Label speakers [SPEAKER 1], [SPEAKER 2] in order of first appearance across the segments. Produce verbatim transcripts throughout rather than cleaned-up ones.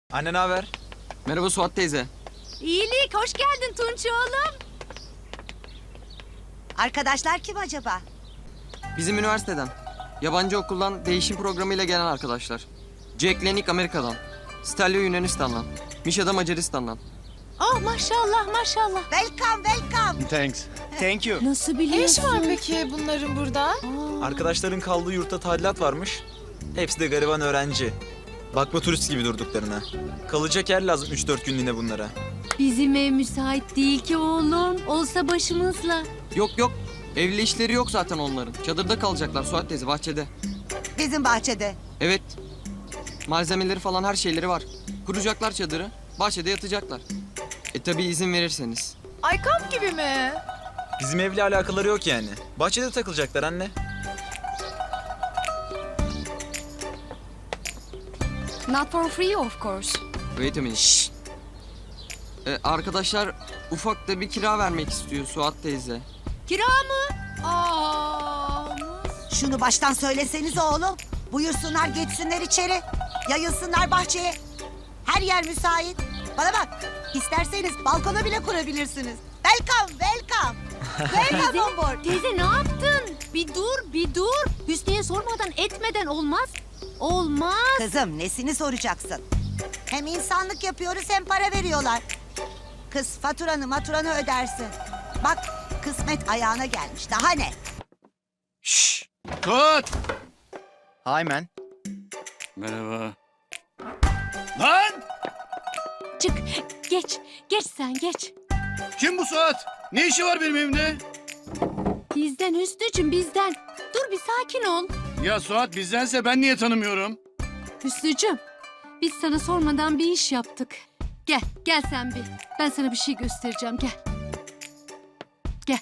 [SPEAKER 1] Anne ne haber?
[SPEAKER 2] Merhaba Suat teyze.
[SPEAKER 3] İyilik, hoş geldin Tunç oğlum.
[SPEAKER 4] Arkadaşlar kim acaba?
[SPEAKER 2] Bizim üniversiteden. Yabancı okuldan değişim programıyla gelen arkadaşlar. Jack Lenik Amerika'dan. Stelio Yunanistan'dan. Misha da Macaristan'dan.
[SPEAKER 3] Oh maşallah maşallah.
[SPEAKER 4] Welcome, welcome.
[SPEAKER 1] Thanks. Thank you.
[SPEAKER 3] Nasıl
[SPEAKER 5] Ne
[SPEAKER 3] biliyorsun?
[SPEAKER 5] iş var peki bunların burada?
[SPEAKER 1] Arkadaşların kaldığı yurtta tadilat varmış. Hepsi de gariban öğrenci. Bakma turist gibi durduklarına. Kalacak yer lazım üç dört günlüğüne bunlara.
[SPEAKER 3] Bizim ev müsait değil ki oğlum. Olsa başımızla.
[SPEAKER 2] Yok yok. Evli işleri yok zaten onların. Çadırda kalacaklar Suat teyze, bahçede.
[SPEAKER 4] Bizim bahçede.
[SPEAKER 2] Evet. Malzemeleri falan her şeyleri var. Kuracaklar çadırı. Bahçede yatacaklar. E tabi izin verirseniz.
[SPEAKER 5] Ay kamp gibi mi?
[SPEAKER 1] Bizim evle alakaları yok yani. Bahçede takılacaklar anne.
[SPEAKER 3] Not for free of course.
[SPEAKER 2] Wait a minute. Şşt. E, arkadaşlar ufak da bir kira vermek istiyor Suat teyze.
[SPEAKER 3] Kira mı? Aa,
[SPEAKER 4] Şunu baştan söyleseniz oğlum. Buyursunlar geçsinler içeri. Yayılsınlar bahçeye. Her yer müsait. Bana bak. İsterseniz balkona bile kurabilirsiniz. Welcome, welcome. Welcome
[SPEAKER 3] teyze,
[SPEAKER 4] on board.
[SPEAKER 3] teyze ne yaptın? Bir dur, bir dur. Hüsnü'ye sormadan etmeden olmaz. Olmaz.
[SPEAKER 4] Kızım nesini soracaksın? Hem insanlık yapıyoruz hem para veriyorlar. Kız faturanı maturanı ödersin. Bak kısmet ayağına gelmiş. Daha ne?
[SPEAKER 6] Şşş! Tut!
[SPEAKER 1] Hi man.
[SPEAKER 6] Merhaba. Lan!
[SPEAKER 3] Çık, geç, geç sen geç.
[SPEAKER 6] Kim bu Suat? Ne işi var benim evimde?
[SPEAKER 3] Bizden Hüsnü'cüm bizden. Dur bir sakin ol.
[SPEAKER 6] Ya Suat bizdense ben niye tanımıyorum?
[SPEAKER 3] Hüsnü'cüm, biz sana sormadan bir iş yaptık. Gel, gel sen bir. Ben sana bir şey göstereceğim, gel. Gel.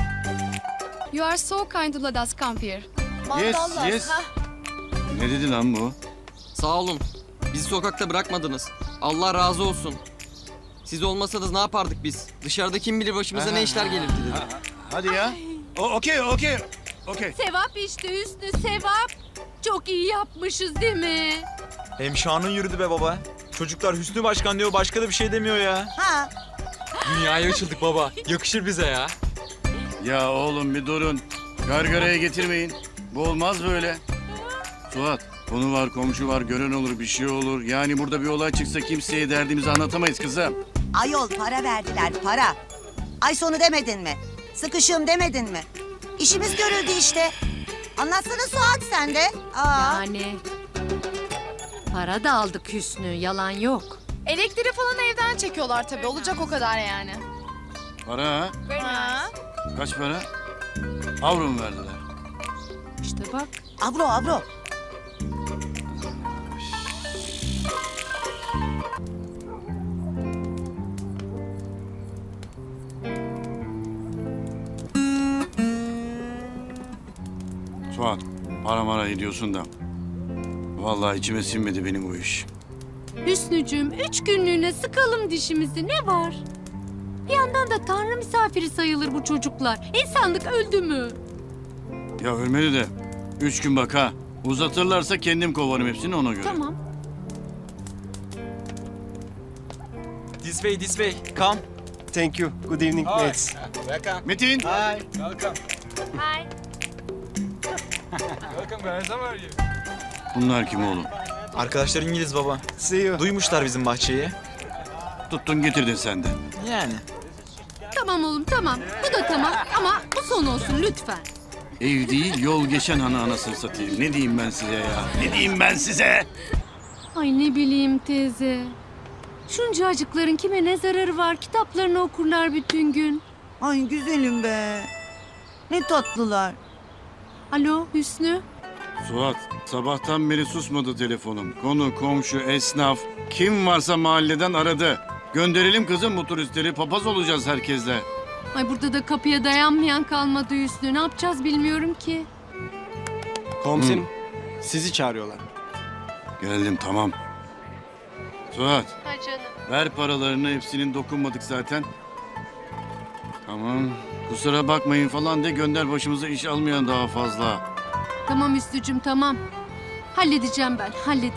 [SPEAKER 5] You are so kind to let us come here.
[SPEAKER 6] Yes,
[SPEAKER 5] Mandallas,
[SPEAKER 6] yes.
[SPEAKER 5] ha?
[SPEAKER 6] Ne dedi lan bu?
[SPEAKER 2] Sağ olun. Bizi sokakta bırakmadınız. Allah razı olsun. Siz olmasanız ne yapardık biz? Dışarıda kim bilir başımıza ne işler gelirdi dedi.
[SPEAKER 6] Hadi ya. O, okey, okey. Okey.
[SPEAKER 3] Sevap işte Hüsnü, sevap. Çok iyi yapmışız değil mi?
[SPEAKER 1] Hem şanın yürüdü be baba. Çocuklar Hüsnü Başkan diyor, başka da bir şey demiyor ya.
[SPEAKER 4] Ha?
[SPEAKER 2] Dünyaya açıldık baba. Yakışır bize ya.
[SPEAKER 6] Ya oğlum bir durun. Gargaraya getirmeyin. Bu olmaz böyle. Suat, konu var, komşu var, gören olur, bir şey olur. Yani burada bir olay çıksa kimseye derdimizi anlatamayız kızım.
[SPEAKER 4] Ayol para verdiler para. Ay sonu demedin mi? Sıkışığım demedin mi? İşimiz görüldü işte. Anlatsana Suat sen de. Aa.
[SPEAKER 3] Yani para da aldık Hüsnü, yalan yok.
[SPEAKER 5] Elektriği falan evden çekiyorlar tabii. Olacak o kadar yani.
[SPEAKER 6] Para ha?
[SPEAKER 5] Ha?
[SPEAKER 6] Kaç para? Avro mu verdiler?
[SPEAKER 3] İşte bak.
[SPEAKER 4] Avro avro.
[SPEAKER 6] Suat, para mara ediyorsun da. Vallahi içime sinmedi benim bu iş.
[SPEAKER 3] Hüsnücüğüm, üç günlüğüne sıkalım dişimizi, ne var? Bir yandan da Tanrı misafiri sayılır bu çocuklar. İnsanlık öldü mü?
[SPEAKER 6] Ya ölmedi de. Üç gün bak ha. Uzatırlarsa kendim kovarım hepsini ona göre.
[SPEAKER 3] Tamam.
[SPEAKER 1] This way, this way. Come.
[SPEAKER 7] Thank you. Good evening, mates.
[SPEAKER 1] Welcome.
[SPEAKER 6] Metin.
[SPEAKER 1] Hi. Welcome.
[SPEAKER 3] Hi.
[SPEAKER 1] Welcome guys. How are you?
[SPEAKER 6] Bunlar kim oğlum?
[SPEAKER 1] Arkadaşlar İngiliz baba.
[SPEAKER 7] See you.
[SPEAKER 1] Duymuşlar bizim bahçeyi.
[SPEAKER 6] Tuttun getirdin sen de.
[SPEAKER 1] Yani.
[SPEAKER 3] Tamam oğlum tamam. Bu da tamam ama bu son olsun lütfen.
[SPEAKER 6] Ev değil yol geçen ana anasını satayım. Ne diyeyim ben size ya? Ne diyeyim ben size?
[SPEAKER 3] Ay ne bileyim teyze. Şuncacıkların kime ne zararı var? Kitaplarını okurlar bütün gün.
[SPEAKER 4] Ay güzelim be. Ne tatlılar.
[SPEAKER 3] Alo Hüsnü.
[SPEAKER 6] Suat, sabahtan beri susmadı telefonum. Konu, komşu, esnaf, kim varsa mahalleden aradı. Gönderelim kızım bu turistleri, papaz olacağız herkesle.
[SPEAKER 3] Ay burada da kapıya dayanmayan kalmadı Hüsnü. Ne yapacağız bilmiyorum ki.
[SPEAKER 7] Komiserim, sizi çağırıyorlar.
[SPEAKER 6] Geldim tamam. Suat,
[SPEAKER 5] Ha canım.
[SPEAKER 6] ver paralarını, hepsinin dokunmadık zaten. Tamam, kusura bakmayın falan de gönder başımıza iş almayan daha fazla.
[SPEAKER 3] Tamam Hüsnücüm tamam. Halledeceğim ben halledeceğim.